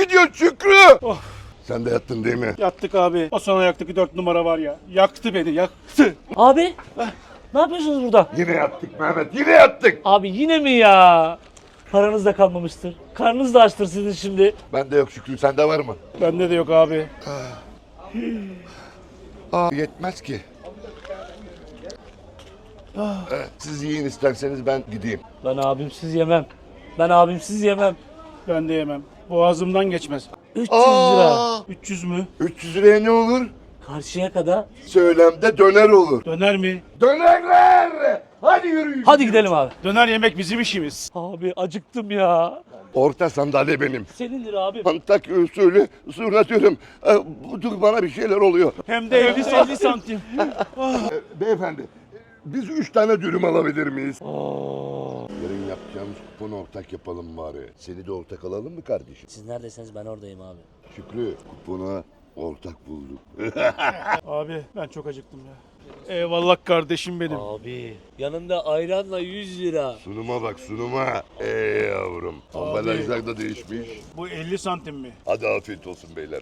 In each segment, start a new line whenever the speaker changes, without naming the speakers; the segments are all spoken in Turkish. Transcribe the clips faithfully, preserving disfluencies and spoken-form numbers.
Nereye gidiyorsun Şükrü?
Oh.
Sen de yattın değil mi?
Yattık abi. O son ayaktaki dört numara var ya. Yaktı beni, yaktı.
Abi ne yapıyorsunuz burada?
Yine yattık Mehmet, yine yattık.
Abi yine mi ya? Paranız da kalmamıştır. Karnınız da açtır sizin şimdi.
Bende yok Şükrü, sende var mı?
Bende de yok abi.
Aa, yetmez ki. Evet, siz yiyin isterseniz ben gideyim.
Ben abimsiz yemem. Ben abimsiz yemem.
Ben de yemem. Boğazımdan geçmez.
üç yüz lira.
Aa,
üç yüz mü?
üç yüz liraya ne olur?
Karşıya kadar.
Söylemde döner olur.
Döner mi?
Dönerler! Hadi yürüyün.
Hadi gidelim abi.
Döner yemek bizim işimiz.
Abi acıktım ya.
Orta sandalye benim.
Senindir abi.
Antakya usulü zurnatıyorum. Ee, dur bana bir şeyler oluyor.
Hem de elli elli santim.
Ee, beyefendi, biz üç tane dürüm alabilir miyiz? Yarın yapacağımız kuponu ortak yapalım bari. Seni de ortak alalım mı kardeşim?
Siz neredesiniz ben oradayım abi.
Şükrü, kupona ortak bulduk.
Abi ben çok acıktım ya. Eyvallah kardeşim benim.
Abi yanında ayranla yüz lira.
Sunuma bak sunuma. Ey yavrum. Ambalajlar da değişmiş.
Bu elli santim mi?
Hadi afiyet olsun beyler.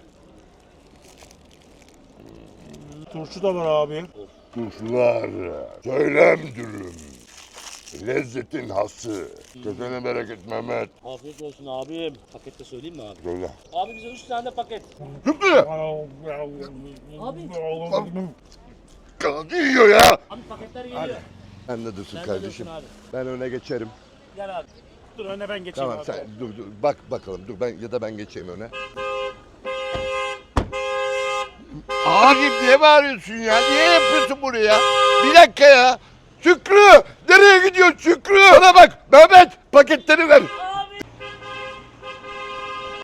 Turşu da var abi.
Turşular, söylem dürüm. Lezzetin hası. Kesene bereket Mehmet.
Afiyet olsun abim. Pakette söyleyeyim mi abi?
Söyle.
Abi bize üç tane paket.
Şükrü!
Abi.
Kaldı yiyor ya.
Abi paketler geliyor.
Sen de dursun
Sen de
kardeşim.
dursun abi.
Ben öne geçerim.
Gel abi.
Dur öne ben geçeyim
Tamam
abi.
sen dur dur bak bakalım dur ben ya da ben geçeyim öne. Abim niye bağırıyorsun ya? Niye yapıyorsun bunu ya? Bir dakika ya. Şükrü! Nereye gidiyorsun Şükrü? Bana bak Mehmet paketleri ver.